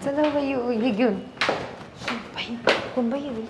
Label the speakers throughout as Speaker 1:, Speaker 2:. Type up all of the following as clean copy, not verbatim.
Speaker 1: चला बाई हे घेऊन बाई कोण बाई आहे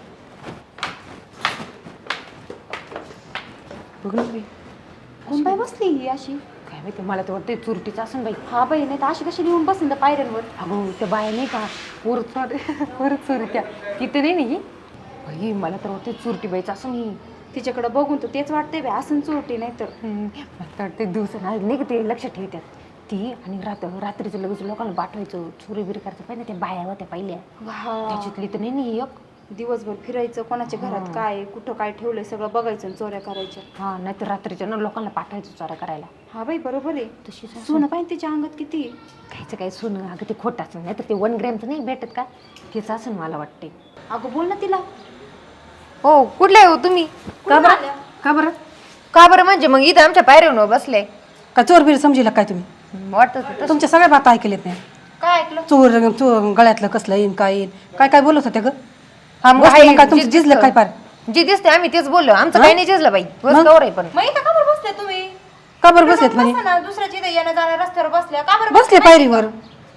Speaker 1: बघ ना बाई
Speaker 2: कोण बाई बसली ही अशी?
Speaker 1: काय माहिती मला तर वाटतं चुरटीचं असं बाई.
Speaker 2: हा बाई नाही तर अशी कशी लिहून बसेल त्या पायऱ्यांवर.
Speaker 1: अगं त्या बाया नाही का परत चोरी तिथे नाही ही बाई मला तर वाटतं चुरटी बाईचं असं नाही.
Speaker 2: तिच्याकडे बघून तर तेच वाटतंय बाई असं चोरटी नाही तर.
Speaker 1: मला तर वाटतं दिवस नाही का ते लक्षात ठेवतात ती आणि रात्रीचं लगेच लोकांना पाठवायचं चोरी बिरी करायचं पाहिजे त्या बाया होत्या पहिल्या त्याच्यातली तर नाही एक
Speaker 2: दिवसभर फिरायचं कोणाच्या घरात काय कुठं काय ठेवलंय सगळं बघायचं आणि चोऱ्या करायच्या.
Speaker 1: हा नाही तर रात्रीच्या ना लोकांना पाठवायचं चोऱ्या करायला.
Speaker 2: हा बाई बरोबर आहे.
Speaker 1: तशी
Speaker 2: सोनं पाहिजे तिच्या अंगात किती
Speaker 1: खायचं काय सोनं अगं ते खोटं असं नाही तर ते 1 ग्रॅमचं नाही भेटत का तेच असं मला वाटते.
Speaker 2: अगं बोल ना तिला.
Speaker 1: हो कुठले हो तुम्ही
Speaker 3: का बरं का बरं
Speaker 1: का बरं म्हणजे मग इथं आमच्या पायऱ्यावर बसले
Speaker 3: का चोर बीर समजीला काय तुम्ही?
Speaker 1: वाटत
Speaker 3: तुमच्या सगळ्या बाता ऐकलेत नाही.
Speaker 2: काय ऐकलं?
Speaker 3: चोर गळ्यातलं कसलं येईन काय येईन काय काय बोलत होत्या ग?
Speaker 1: हा मग
Speaker 3: बसलं
Speaker 1: आहे,
Speaker 3: मग काय
Speaker 1: जे
Speaker 3: तुमचं जिजलं काय पार?
Speaker 1: जे दिसते आम्ही तेच बोललो आमचं काही नाही जिजलं बाई बस कवर आहे पण
Speaker 2: मग इथं का बरं बसले तुम्ही?
Speaker 3: का बरं बसलेत म्हणे?
Speaker 2: बसा ना दुसऱ्याच्या इथं येणं जाण्या रस्त्यावर बसल्या का बरं
Speaker 3: बसले पायरीवर.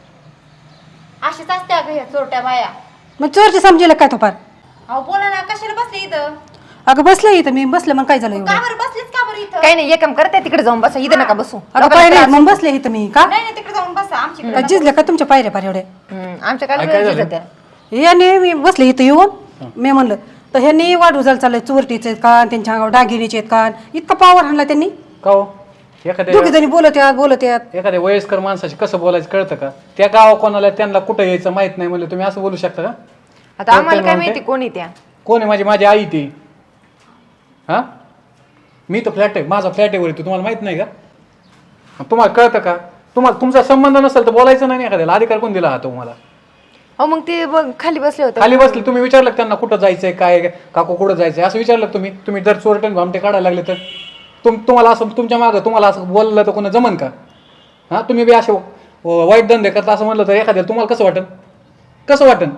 Speaker 2: अशीच असते अगं ह्या चोरट्या बाया.
Speaker 3: मग चोरची समजीला काय तो पार?
Speaker 2: अहो बोला ना कशाला बसले इथं?
Speaker 3: अगं बसले इथं मी बसले मग काय झालं एवढं?
Speaker 2: का बरं बसलीच का बरं इथं?
Speaker 1: काही नाही एक काम करते तिकडे जाऊन बसा इथं नका बसू
Speaker 3: अगं पाय नाही मग बसले इथं मी का
Speaker 2: नाही नाही तिकडे जाऊन बसा आमची
Speaker 3: काय जिजलं का तुमच्या पायऱ्या पार एवढे?
Speaker 1: आमच्या काय
Speaker 3: याने मी बसले इथं येऊन मी म्हणलं तर ह्यांनी वाढू चाललंय चोरटीचे कान त्यांच्या अंगावर डागिरीचे कान इतका पावर आणला त्यांनी.
Speaker 4: का हो एखाद्या
Speaker 3: दोघी जणी बोलत यात
Speaker 4: एखाद्या वयस्कर माणसाशी कसं बोलायचं कळतं का? त्या गावा कोणाला त्यांना कुठं यायचं माहित नाही म्हणलं तुम्ही असं बोलू शकता का?
Speaker 1: आता आम्हाला काय माहिती कोणी त्या
Speaker 4: कोण आहे माझी आई ती? हा मी तर फ्लॅट आहे माझा फ्लॅट आहे वरती तुम्हाला माहित नाही का? तुम्हाला कळतं का? तुम्हाला तुमचा संबंध नसेल तर बोलायचं नाही एखाद्याला अधिकार कोण दिला हा तुम्हाला?
Speaker 1: हो मग ते खाली बसले होते
Speaker 4: खाली बसले तुम्ही विचारलं का त्यांना कुठं जायचंय काय काकू कुठं जायचंय असं विचारलं का तुम्ही जर चोरटन भामटे काढायला लागले तर तुम्हाला असं तुमच्या मागं तुम्हाला असं बोललं तर कोणा जमन का? हा तुम्ही बी असे वाईट धंदे करता असं म्हणलं तर एखाद्याला तुम्हाला कसं वाटन?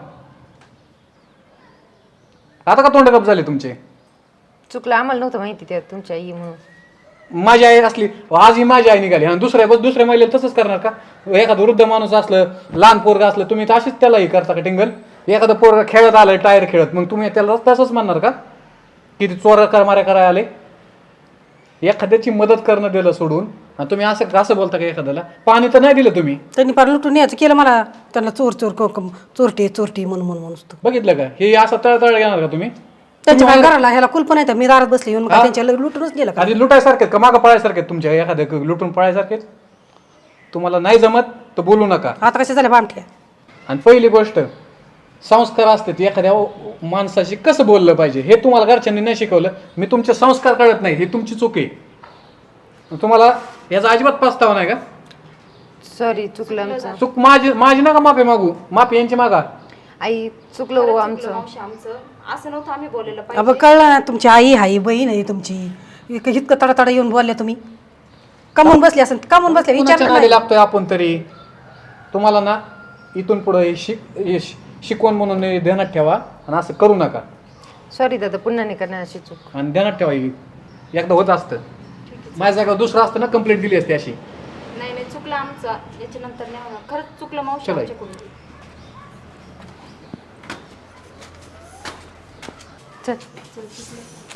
Speaker 4: आता का तोंड गप झाले तुमचे?
Speaker 1: चुकलं आम्हाला नव्हतं माहिती त्या तुमच्या आई म्हणून.
Speaker 4: माझी आई असली आज ही माझी आई निघाली आणि दुसऱ्या महिलेला तसंच करणार का? एखादं वृद्ध माणूस असलं लहान पोरगा असलं तुम्ही तर अशीच त्यालाही करता का टिंगल? एखादं पोरगा खेळत आलं टायर खेळत मग तुम्ही त्याला तसंच म्हणणार का की ते चोर माऱ्या करायला आले? एखाद्याची मदत करणं दिलं सोडून आणि तुम्ही असं बोलता का एखाद्याला? पाणी तर नाही दिलं तुम्ही.
Speaker 3: त्यांनी पार लुटून यायचं केलं मला त्यांना चोरटी म्हणून
Speaker 4: बघितलं का? हे असं तळतळ घेणार का तुम्ही?
Speaker 3: त्यांच्या काय घराला ह्याला कुलप नाही तर मी दारात बसले येऊन काय त्यांच्या लुटूनच गेलं का?
Speaker 4: आधी लुटायसारखे का मागं पळायसारखे तुमच्या एखाद्या लुटून पळायसारखेच? तुम्हाला नाही जमत तर बोलू नका.
Speaker 3: आता कशा झाल्या बामठ्या?
Speaker 4: आणि पहिली गोष्ट संस्कार असतात एखाद्या माणसाशी कसं बोललं पाहिजे हे तुम्हाला घरच्यांनी नाही शिकवलं. मी तुमचे संस्कार कळत नाही ही तुमची चूक आहे. तुम्हाला याचा अजिबात पस्तावा नाही का?
Speaker 1: सॉरी चुकलं आमचं.
Speaker 4: चूक माझी नका माफी मागू माफी यांची मागा.
Speaker 1: आई चुकलं हो आमचं.
Speaker 2: आमचं असं नव्हतं आम्ही बोलायला पाहिजे.
Speaker 3: अब कळलं ना तुमची आई हाई बहीण आहे तुमची इतकं तडातडा येऊन बोलले तुम्ही कमून बसले असं कमून बसले
Speaker 4: कुणाच्या
Speaker 3: विचार
Speaker 4: नादी लागतोय आपण तरी? तुम्हाला ना इथून पुढे शिकवण म्हणून ध्यानात ठेवा आणि असं करू नका.
Speaker 1: सॉरी दादा पुन्हा नाही करणार अशी चूक.
Speaker 4: आणि ध्यानात ठेवा एकदा होत असतं माझ्या जागा दुसरं असतं ना कंप्लेंट दिली असते अशी.
Speaker 2: नाही नाही चुकलं आमचं याच्यानंतर नाही होणार. खरंच चुकलं मावशी
Speaker 4: चला.
Speaker 2: आमच्याकडून.
Speaker 1: चल